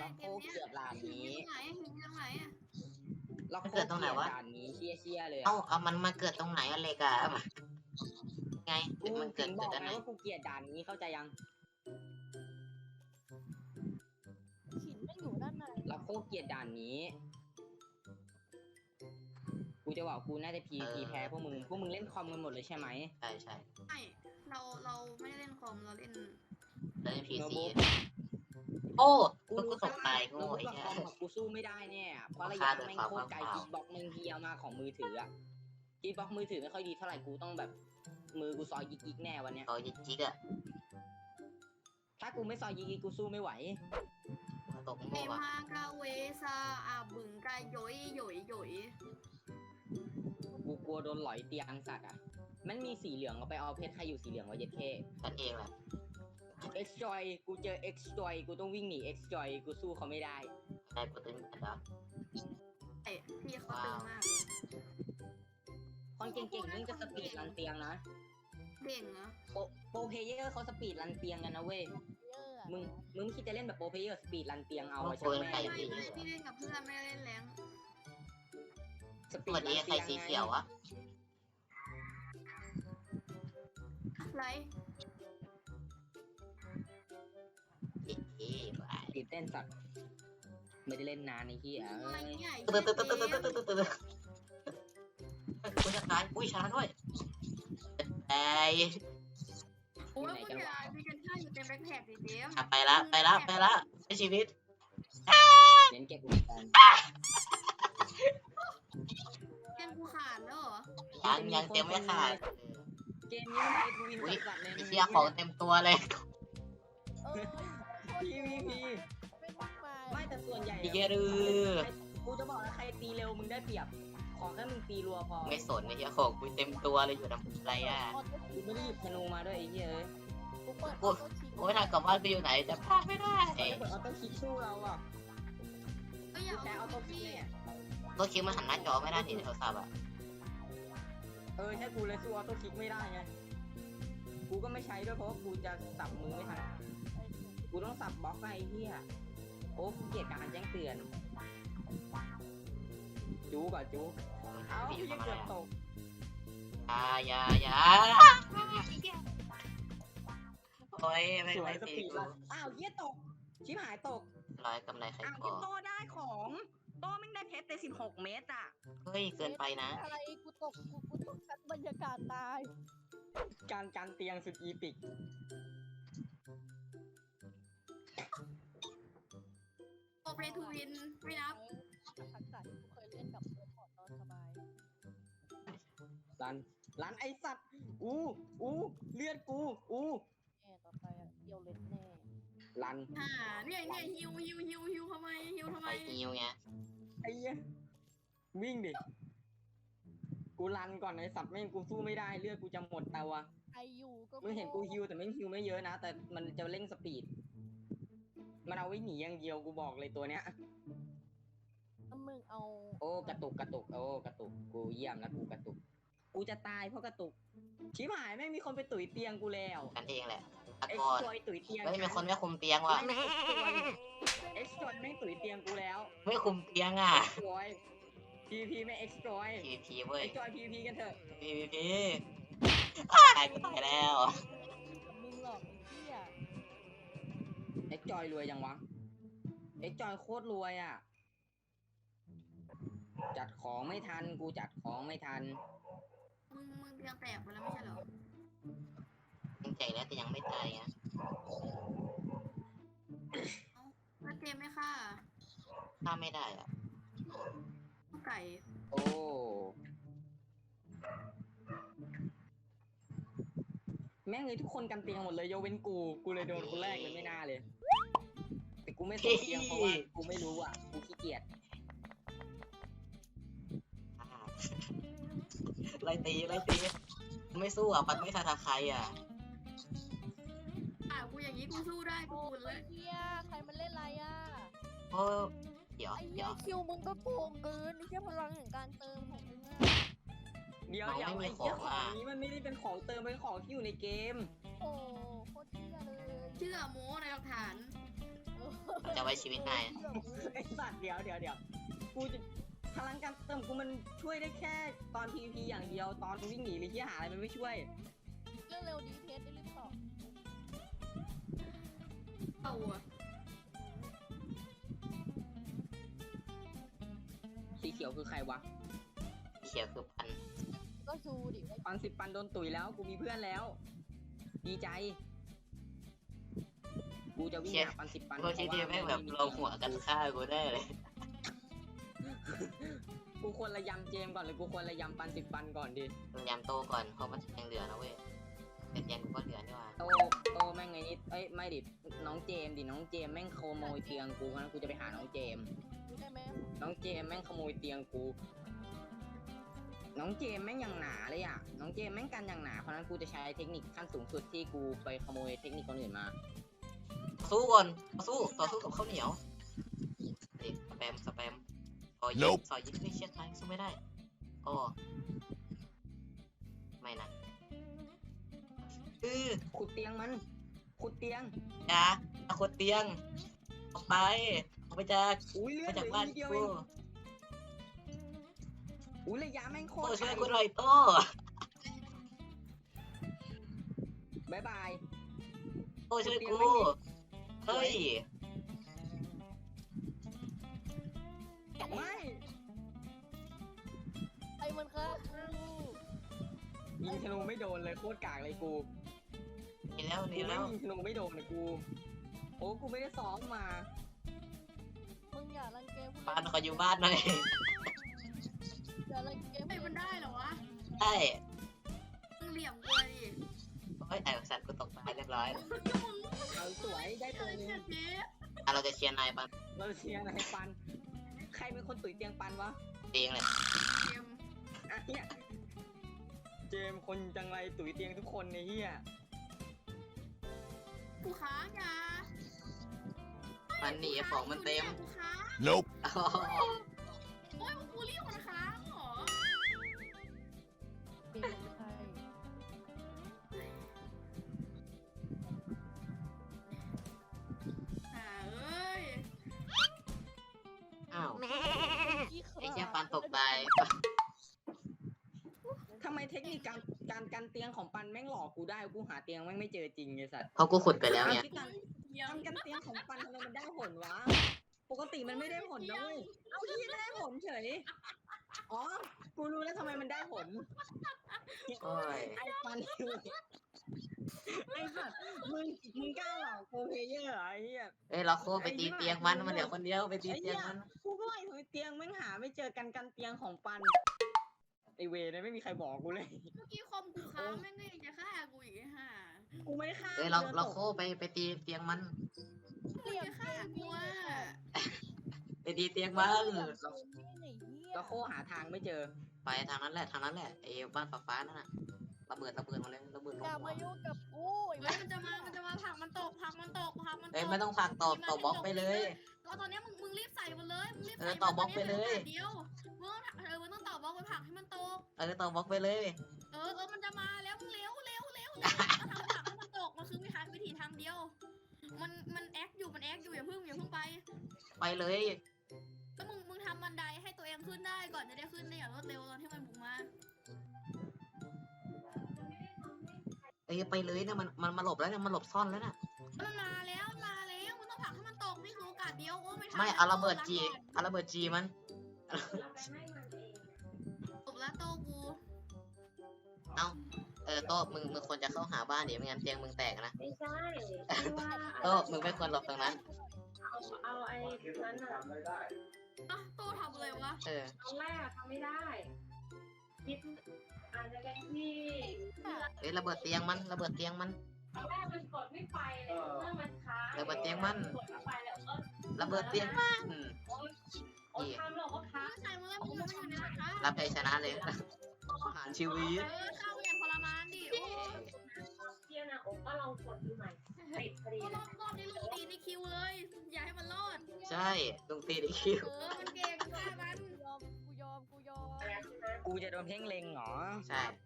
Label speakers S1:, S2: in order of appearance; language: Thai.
S1: โคเกลียดด่านนี้
S2: หินตรงไหนอ่ะ
S1: เราโคเกลียดด่านนี้เชี่ยเลย
S3: เอามันมาเกิดตรงไหนอะไรกันไง
S1: กู
S3: มัน
S1: ถึ
S3: เกิด
S1: งบ
S3: เกิ
S1: อ
S3: ด
S1: ก
S3: ด้าน
S1: ไง
S3: ไหน
S1: ว่ากูเกลียดด่านนี้เข้าใจยัง
S4: หินไม่อยู่ด้านใน
S1: เราโคเกลียดด่านนี้กูจะบอกกูน่าจะพีแพ้พวกมึงเล่นคอมกันหมดเลยใช่ไหม
S3: ใช่ใช่
S2: ไม่เราไม่ได้เล่นคอมเราเล่น
S3: แล้วพีซีโอ้กูตกตายโง่ไอ้
S1: กับ
S3: เหี้
S1: คอม
S3: ย
S1: กูสู้ไม่ได้เนี่ยเพราะระยะแม่งโคตรไกลกีบ็อกแม่งเฮียมากของมือถืออะกีบ็อกมือถือไม่ค่อยดีเท่าไหร่กูต้องแบบมือกูซอยยิกแน่วันเนี้ย
S3: เอาจิกอะ
S1: ถ้ากูไม่ซอยยิกกูสู้ไม่ไหว
S3: ตก
S2: เอ
S3: โง่อะ
S2: มากาเวซาอาบึงกาโยยโยยโยย
S1: กูกลัวโดนหลอยเตียงสัตว์อ่ะมันมีสีเหลืองเอาไปเอาเพชรใครอยู่สีเหลืองวะเย็ดเค
S3: กันเองแหละ
S1: X Joy กูเจอ X Joy กูต้องวิ่งหนี X Joy กูสู้เขาไม่ได้
S3: ได้โปรตีนกันแล้ว
S2: เอ้พี่เขาตึงมาก
S1: คนเก่งๆนี่จะสปีดรันเตียงนะ
S2: เก่งเหรอ
S1: โปรเพเยอร์เขาสปีดรันเตียงกันนะเว้ย
S4: เยอะอะ
S1: มึงคิดจะเล่นแบบโปรเพเยอร์สปีดรันเตียงเอาอะ
S3: โอ้ย
S1: ใช่ไหม
S3: ใคร
S2: ไม่พี่เล่นกับเพื่อนไม่ได้เล่นแรง
S1: สปี
S3: วั
S1: ด
S3: น
S1: รั
S3: นี้
S1: น
S3: ใคร
S1: เตียง
S3: สีเขียวอะ
S2: ไร
S3: เอ๊ะ
S1: ตื่นเต้นสัตว์ไม่ได้เล่นนานไอ้เหี้ย
S2: อะไรเนี่ย
S3: ตึ๊ดตึ๊ดตึ๊ดตึ๊ดตึ๊ดตึ๊ดตึ๊ดกูจะตายอุ้ยช้าด้วยไอ้
S2: โอ้ยคุณยายมีกันค่าอยู่เต็มแบ็คแพ็คดิเจม
S3: ไปละใช้ชีวิต
S1: เน้นเก็บอุปกรณ์
S2: เกมกูขาดแล้วเหรอ
S3: ยังเต็มไม่ขาด
S1: เกมนี้มันเป็นวินสัตว์เลย
S3: ไอ้เชี่ยของเต็มตัวเลย
S1: PVP
S4: ไม่มากมาย
S1: ไม่แต่ส่วนใหญ่
S3: อีเกลือ
S1: กูจะบอกนะใครตีเร็วมึงได้เปรียบ ขอแค่มึงตีรัวพอ
S3: ไม่สนไอ้เชี่ยของกูเต็มตัวเลยอยู่ทำอะไรอ่ะ
S1: กูไม่ได้หยิบธนูมาด้วยไอ้เหี้ยเอ้ย
S4: กูเปิด
S3: กูไม่ทันกลับบ้านไปอยู่ไหนจะพลาดไม่ได้
S1: เปิดออโต้คลิกสู้เราอ่ะ
S2: ก็อย่า
S1: แต่ออ
S2: เอา
S1: โต้
S2: ตัว
S1: คลิก
S2: พี่
S1: เนี่ย
S3: ตัวคิวมันหันหน้าจอไม่ได้ที่โทรศัพท์อ่ะ
S1: ใช่กูเลยสู้ออโต้คลิกไม่ได้ไง กูก็ไม่ใช้ด้วยเพราะว่ากูจะสับมือไม่ทัน กูต้องสับบล็อกไอ้เหี้ยโอ้กูเกลียดการแจ้งเตือน จูก่อนจูเอ้า
S3: พี่
S1: พี่
S3: ทำอะไร
S1: เกือบ
S3: อ่ะ
S1: ตก
S3: อย่าโอ้ยไม่
S1: สวย
S3: ไม่
S1: ส
S3: ตี
S1: ปีด
S3: กู
S1: ลันอ้าวเหี้ยตก ชิบหายตก
S3: ร้อยกำไรใคร
S1: อ้าว
S3: ก่
S1: ที่
S3: อ
S1: โตได้ของ โตแม่งได้เพชรแต่16 เมตรอ่ะ
S3: เฮ้ยเกินไปนะ
S4: อะไรกูตกชั้นบรรยากาศตาย
S1: การเตียงสุดอีปิก
S2: โอเปรทูวินไม่นับ
S4: ทักษะที่กูเคยเล่นกับเพื่อนพอตอนสบาย
S1: รันไอสัตว์ เลือดกู
S4: แน่ต่อไปอ่ะเดียวเล็ดแน่
S1: รัน
S2: เนี่ยฮิวทำไมฮิวทำไม
S3: ไปฮิวไง
S1: ไอ้เหี้ยวิ่งดิ กูรันก่อนไอสัตว์แม่งกูสู้ไม่ได้เลือดกูจะหมดแต่วะ
S4: ไอยูก็
S1: มึงเห็นกูฮิวแต่ไม่ฮิวไม่เยอะนะ แต่มันจะเร่งสปีด มันเอาไว้หนีอย่างเดียวกูบอกเลยตัวเนี้ย
S4: ถ้ามึงเอา
S1: โอ้กระตุกโอ้กระตุกกูเยี่ยมแล้วกูกระตุก กูจะตายเพราะกระตุก ชิบหายไม่มีคนไปตุ๋ยเตียงกูแล้ว
S3: กันเองแหละตะ
S1: เอ็ก
S3: กอน
S1: ซ์จอยตุ๋ยเตียง
S3: แล้วมีคนไม่คุมเตียงว่ะ
S1: เอ็กซ์จอยไม่ตุ๋ยเตียงกูแล้ว
S3: ไม่คุมเตียงอ่ะ
S1: เอ็กซ์จอยPVP ไม่เอ็กซ์จอย
S3: PVP เว้ย
S1: เอ็กซ์จอย PVP กันเถอะ
S3: PVP ตายก็ตายแล้ว
S4: มึงหลอกไอ้เหี้ย
S1: เอ็กซ์จอยรวยยังวะ เอ็กซ์จอยโคตรรวยอ่ะ จัดของไม่ทัน กูจัดของไม่ทัน
S2: มึงเตียงแตกไปแล้วไม่ใช่เหรอ
S3: ยังใจแล้วแต่ยังไม่ตายอ่ะ
S2: แล้วเจมไม่ฆ่า
S3: ถ้าไม่ได้อ่ะ
S2: ไก่
S1: โอ้ แม่งเลยทุกคนกันเตียงหมดเลยยกเว้นกู กูเลยโดนคนแรกเลยไม่น่าเลย แต่กูไม่สนเตียงเพราะว่ากูไม่รู้อ่ะ กูขี้เกียจ
S3: ไล่ตีไม่สู้อ่ะปัดไม่ทันใครอ่ะ
S2: กูอย่างนี้กูสู้ได้กู
S4: โอ้
S2: บุญเลย
S4: ไอ้เหี้ยใครมันเล่นอะไรอ่ะ
S3: โอ้เดี๋ยว
S4: ไอ้เหี้ยคิวมึงก็โกงเกินไอ้เหี้ยพลังแห่งการเติมของมึงอ่ะ
S1: เดี๋ยวไอ้เหี้ยของนี้มันไม่ได้เป็นของเติมเป็นของที่อยู่ในเกม
S4: โอ้โคตรเหี้ยเลย
S2: เชื่อโม้ในหลักฐาน
S4: เออ
S3: ใจจะไว้ชีวิตนาย
S1: ไอ้สัตว์เดี๋ยวกูจะพลังการเติมกูมันช่วยได้แค่ตอน PVP อย่างเดียวตอนวิ่งหนีหรือที่หาอะไรมันไม่ช่วย
S4: เรื่องเร็วดีเพจได้รีบตอบ
S2: เอาอะ
S1: สีเขียวคือใครวะ
S3: เขียวคือพัน
S4: ก็ซูดิว่า
S1: ปัน10 ปันโดนตุ๋ยแล้วกูมีเพื่อนแล้ว ดีใจ กูจะวิ่งหาปัน10 ปัน
S3: พวกที่นี่แม่งแบบลงหัวกันฆ่ากูได้เลย
S1: กูควรระยำเจมก่อนหรือกูควรระยำปัน10 ปันก่อนดี
S3: ยำโตก่อนเพราะมันยังเหลือนะเว้ยแต่ยังก็เหลือนี่หว่า
S1: โตแม่งไงนิดเอ้ยไม่ดิน้องเจมดิน้องเจมแม่งขโมยเตียงกูเพราะฉะนั้นกูจะไปหาน้องเจม
S4: รู้ได้ไหม
S1: น้องเจมแม่งขโมยเตียงกู น้องเจมแม่งอย่างหนาเลยอ่ะ น้องเจมแม่งกันอย่างหนาเพราะฉะนั้นกูจะใช้เทคนิคขั้นสูงสุดที่กูไปขโมยเทคนิคคนอื่นมา
S3: สู้ก่อนต่อสู้กับข้าวเหนียวเด็กสแปมซอยยิงไม่เชี่ยทางสู้ไม่ได้โอ้ไม่นะ
S1: ขุดเตียงมัน ขุดเตียง
S3: จ้าเอาคนเตียงออกไปจาก
S1: อุ้ยเลือ
S3: ไป
S1: ดเห
S3: จาก
S1: ลือ
S3: บ้าน
S1: นิดเดียวเอ
S3: กู
S1: งอุ้ยระยะแม่งโค
S3: โต้
S1: ตร
S3: ช่วย
S1: ไก
S3: กู
S1: ล
S3: หน่อยโต้
S1: บายบาย
S3: โต้ช่วยกูเฮ้ย
S1: ไม่
S4: ไอ้มันค่ะ
S1: ยิงธนูไม่โดนเลยโคตรกากเลยกู
S3: นี่แล้ว
S1: กูไม่ยิงธนูไม่โดนเลยกู โอ้กูไม่ได้ซ้อมมา
S4: มึงอย่ารังแกผู้
S3: บ้านขออยู่บ้านหน่อย
S4: อย่ารังแก
S2: ไม่มันได้เหรอวะ
S3: ใช่
S2: มึงเหลี่ยมกูเลยดิ
S3: เฮ้ยไอ้สัตว์กูตกตายเรียบร้อย
S1: เอาสวยได้ตัวหนึง
S2: เจ๊
S3: เราจะเชียร์นายปัน
S1: เราเชียร์นายปัน ใครเป็นคนตุ๋ยเตียงปันวะ
S3: เองเลย
S2: เจม
S1: อ่ะเนี่ยเจมส์คนจังไรตุ๋ยเตียงทุกคนในเฮีย
S2: กูค้างยา
S3: มันหนีของมันเต็ม
S2: กูค้าง
S5: Nope.
S2: โอ้ยกูรีบคนค้างเหรอ
S4: เป็นใคร
S2: อ่าเอ้ย
S3: อ้าว
S4: ขี้ขลาด
S3: ไอ้เชี่ยปันตกตาย
S1: ทำไมเทคนิคการกันเตียงของปันแม่งหลอกกูได้กูหาเตียงแม่งไม่เจอจริงไอ้สัตว์
S3: เพราะกูขุดไปแล้วเนี่ย
S1: ที่การ
S2: เยี่ยม
S1: กันเตียงของปันทำไมมันได้ผลวะ ปกติมันไม่ได้ผลนะเว้ยเอาที่ได้ผลเฉย อ๋อ กูรู้แล้วทำไมมันได้ผล
S3: โอ้ย
S1: ไอ้ปันไอ้สัตว์มึงกล้าหลอกโปรเพลเยอร์เหรอไอ้เหี้ย
S3: เอ้ยเราโคไปตีเตียงมันเหลือคนเดียวไปตีเตียงมัน
S1: กูก็ไอ้เตียงแม่งหาไม่เจอกันเตียงของปัน ไอเวรเนี่ยไม่มีใครบอกกูเลย
S2: เมื่อกี้คอมกูค้างแม่งก็ยังจะฆ่ากูอีกไอ้ห่า
S1: กูไม่ได้ฆ่า
S3: เอ้ยเราโคไปตีเตียงมัน
S2: กูจะฆ่ากูอ่ะ
S3: ไปตีเตียงมัน
S1: ก็โคหาทางไม่เจอ
S3: ไปทางนั้นแหละไอ้บ้านฟ้านั่นน่ะระเบิดมาเลยระเบิดลง
S4: อย่า
S3: หัว
S4: มายุ่งกับกูไอ้
S2: เฮ้ยมันจะมาผลักมันตก
S3: เอ้ยไม่ต้องฝากตอบบล็อกไปเลย
S2: ก็ตอนนี้มึงรีบใส่มันเลยมึงรีบ
S3: เอ
S2: ใส่
S3: อต่อบล็อกไปเลย
S2: เดียวมึงต้องต่อบล็อกไปผลักให้มันตก
S3: ต่อบล็อกไปเลย
S2: มันจะมาแล้วมึงเร็วก็ทำผลักให้มันตกมันคือวิธีทางเดียว มันแอคอยู่อย่าเพิ่งไป
S3: ไปเลย
S2: แล้วมึงทำบันไดให้ตัวเองขึ้นได้ก่อนจะได้ขึ้นได้อย่างรวดเร็วตอนที่มันบุกมา
S3: เอ้ยไปเลยนะมันมาหลบแล้วเนี่ยมันหลบซ่อนแล้วน่ะ
S2: มันมาแล้วมึงต้องผลักให้มันตกนี่คือโอกาสเดียวโอ้ไม่ทัน
S3: ไม่เอาระเบิดจีมัน
S2: ตบแล้วโตกู
S3: โต้มึงควรจะเข้าหาบ้านดิไม่งั้นเตียงมึงแตกนะ
S6: ไม่ใช่ที่ว่า
S3: โต้มึงไม่ควรหลบตรงนั้น
S6: เอาไอ้นั้นอ่ะ
S2: โตทำอะไรวะ
S3: เออ
S6: ตอนแรกทำไม่ได้คิดอาจจะเป็นที่
S3: เอ้ยระเบิดเตียงมัน
S6: ตอนแรกมันกดไม่ไปเลยเมื่อมันค้าง
S3: ระเบิดเตียงมัน
S6: กดไม่ไปแล้ว
S3: ระเบิดเตียงมัน
S6: โอ้ทำหรอกว่าค้าง
S2: ใส่มาแล้วมึงอยู่ในนะคะ
S3: รับชัยชนะเลยอาหารชีวิต
S2: เข้าอย่างทรมานดิโอ้
S6: เที่ยนะโอ้ก็ลองกดดูใหม่ติดพอดี
S2: รอบนี้ลุงตีในคิวเลย อย่าให้มันรอด
S3: ใช่ลุงตีได้คิว
S2: มันเก่งฆ่ามัน
S4: กูยอม
S1: กูจะโดนเพ่งเล็งเหรอ
S3: ใช่